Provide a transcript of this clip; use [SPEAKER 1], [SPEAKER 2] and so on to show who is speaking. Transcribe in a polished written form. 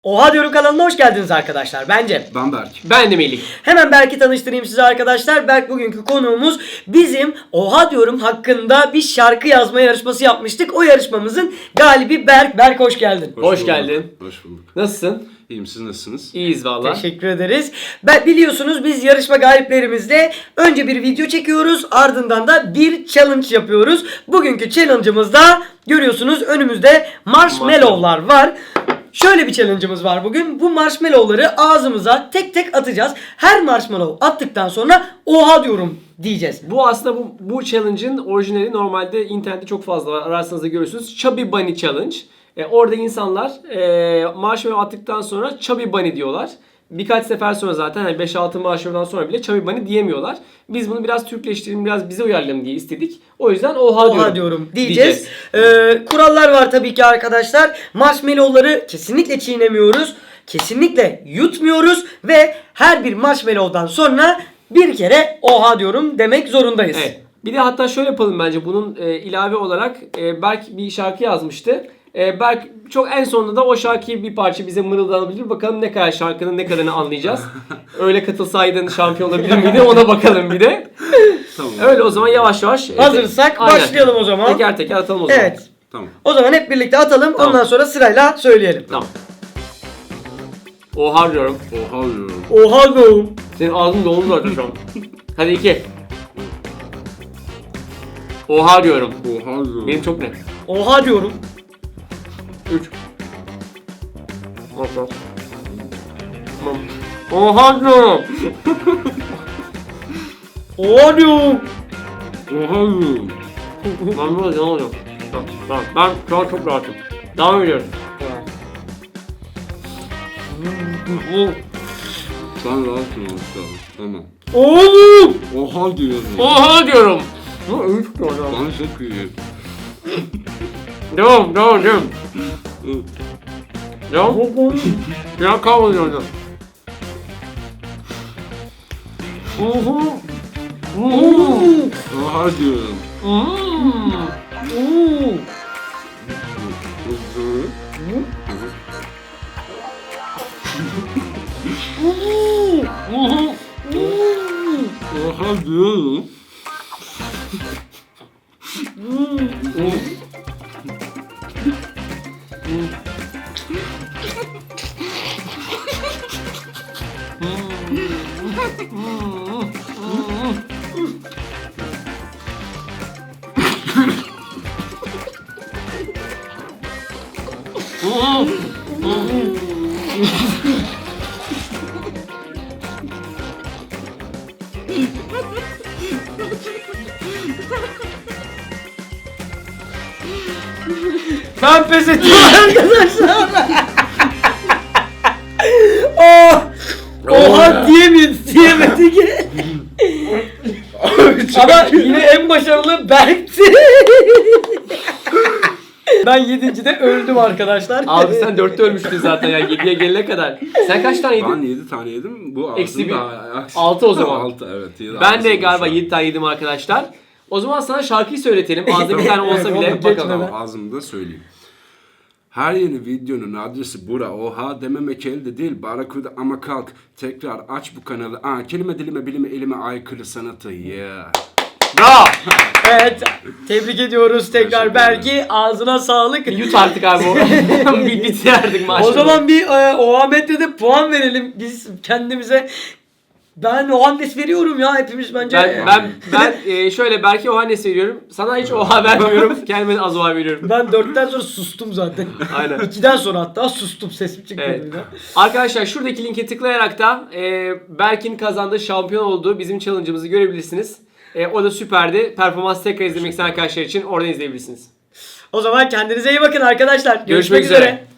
[SPEAKER 1] Oha Diyorum kanalına hoş geldiniz arkadaşlar. Ben Cem.
[SPEAKER 2] Ben Berk.
[SPEAKER 3] Ben de Melih.
[SPEAKER 1] Hemen Berk'i tanıştırayım size arkadaşlar. Berk bugünkü konuğumuz. Bizim Oha Diyorum hakkında bir şarkı yazma yarışması yapmıştık. O yarışmamızın galibi Berk. Berk hoş geldin.
[SPEAKER 3] Hoş geldin.
[SPEAKER 2] Hoş bulduk.
[SPEAKER 3] Nasılsın?
[SPEAKER 2] İyiyim, siz nasılsınız?
[SPEAKER 3] İyiyiz valla.
[SPEAKER 1] Teşekkür ederiz. Biliyorsunuz biz yarışma galiplerimizle önce bir video çekiyoruz. Ardından da bir challenge yapıyoruz. Bugünkü challenge'ımızda görüyorsunuz önümüzde marshmallow'lar var. Şöyle bir challenge'ımız var bugün. Bu marshmallow'ları ağzımıza tek tek atacağız. Her marshmallow attıktan sonra oha diyorum diyeceğiz.
[SPEAKER 3] Bu aslında bu challenge'ın orijinali normalde internette çok fazla var. Ararsanız da görürsünüz. Chubby Bunny Challenge. Orada insanlar marshmallow attıktan sonra Chubby Bunny diyorlar. Birkaç sefer sonra zaten 5-6 marshmallow'dan sonra bile Chubby Bunny diyemiyorlar. Biz bunu biraz Türkleştirelim, biraz bize uyarlayalım diye istedik. O yüzden oha diyorum
[SPEAKER 1] diyeceğiz. Kurallar var tabii ki arkadaşlar. Marshmallow'ları kesinlikle çiğnemiyoruz. Kesinlikle yutmuyoruz ve her bir marshmallow'dan sonra bir kere oha diyorum demek zorundayız.
[SPEAKER 3] Evet. Bir de hatta şöyle yapalım bence bunun ilave olarak Berk bir şarkı yazmıştı. Berk çok en sonunda da o şarkıyı bir parça bize mırıldanabilir. Bakalım ne kadar şarkının ne kadarını anlayacağız. Öyle katılsaydın şampiyon olabilir miydi ona bakalım bir de.
[SPEAKER 2] Tamam.
[SPEAKER 3] Öyle o zaman yavaş yavaş.
[SPEAKER 1] Hazırsak
[SPEAKER 3] Aynen.
[SPEAKER 1] başlayalım o zaman.
[SPEAKER 3] Teker teker atalım o zaman.
[SPEAKER 1] Evet.
[SPEAKER 2] Tamam.
[SPEAKER 1] O zaman hep birlikte atalım.
[SPEAKER 3] Tamam.
[SPEAKER 1] Ondan sonra sırayla söyleyelim.
[SPEAKER 3] Tamam. Oha diyorum.
[SPEAKER 2] Oha diyorum.
[SPEAKER 1] Oha diyorum.
[SPEAKER 3] Senin ağzın doldu zaten şu an. Hadi 2. Oha diyorum.
[SPEAKER 2] Oha diyorum.
[SPEAKER 3] Benim çok net.
[SPEAKER 1] Oha diyorum.
[SPEAKER 3] 3. Tamam. Oha diyorum.
[SPEAKER 1] Oha diyorum.
[SPEAKER 2] Oha diyorum.
[SPEAKER 3] Ben böyle ne olacağım? Tamam. Ben şu an çok rahatım. Devam ediyoruz.
[SPEAKER 2] Sen rahatsın işte. Tamam.
[SPEAKER 1] Oğlum.
[SPEAKER 2] Oha diyorum.
[SPEAKER 3] Oha diyorum. Ne üç diyorum.
[SPEAKER 2] Bana çok iyi.
[SPEAKER 3] Devam. Devam. Ya kavruluyordu.
[SPEAKER 2] Oha diyorum. Oha diyorum.
[SPEAKER 1] Ben pes ediyorum arkadaşlar. Oh. Oha diyemedik. Ama yine en başarılı Berk'ti. Ben 7.de öldüm arkadaşlar.
[SPEAKER 3] Abi sen 4'te ölmüştün zaten ya 7'ye gelene kadar. Sen kaç tane yedin?
[SPEAKER 2] Ben 7 tane yedim. Bu
[SPEAKER 3] Eksi bir.
[SPEAKER 2] ağzımda...
[SPEAKER 3] 6 o zaman.
[SPEAKER 2] 6 evet.
[SPEAKER 3] Ben de galiba 7 tane yedim arkadaşlar. O zaman sana şarkıyı söyletelim. Ağzında bir tane olsa bile
[SPEAKER 1] Evet,
[SPEAKER 3] bakalım.
[SPEAKER 1] geçmeden.
[SPEAKER 2] Ağzımda söyleyeyim. Her yeni videonun adresi bura. Oha dememek elde değil. Barakuda ama kalk. Tekrar aç bu kanalı. Kelime dilime bilime elime aykırı sanatı. Yeah.
[SPEAKER 3] Bravo.
[SPEAKER 1] Evet. Tebrik ediyoruz tekrar
[SPEAKER 2] Teşekkür
[SPEAKER 1] Berk'i. Ağzına sağlık.
[SPEAKER 3] Yut artık abi o. Bitirdik maşallah.
[SPEAKER 1] O zaman bir Oha Medya'da puan verelim biz kendimize. Ben Ohannes veriyorum ya hepimiz bence.
[SPEAKER 3] Ben şöyle belki Ohannes veriyorum. Sana hiç oha vermiyorum. Kendime de az oha veriyorum.
[SPEAKER 1] Ben 4'ten sonra sustum zaten.
[SPEAKER 3] Aynen.
[SPEAKER 1] 2'den sonra hatta sustum, sesim çıkmadı
[SPEAKER 3] Evet.
[SPEAKER 1] bir daha.
[SPEAKER 3] Arkadaşlar şuradaki linke tıklayarak da Berk'in kazandığı şampiyon olduğu bizim challenge'ımızı görebilirsiniz. O da süperdi. Performans tekrar izlemek isteyen arkadaşlar için oradan izleyebilirsiniz.
[SPEAKER 1] O zaman kendinize iyi bakın arkadaşlar.
[SPEAKER 3] Görüşmek üzere.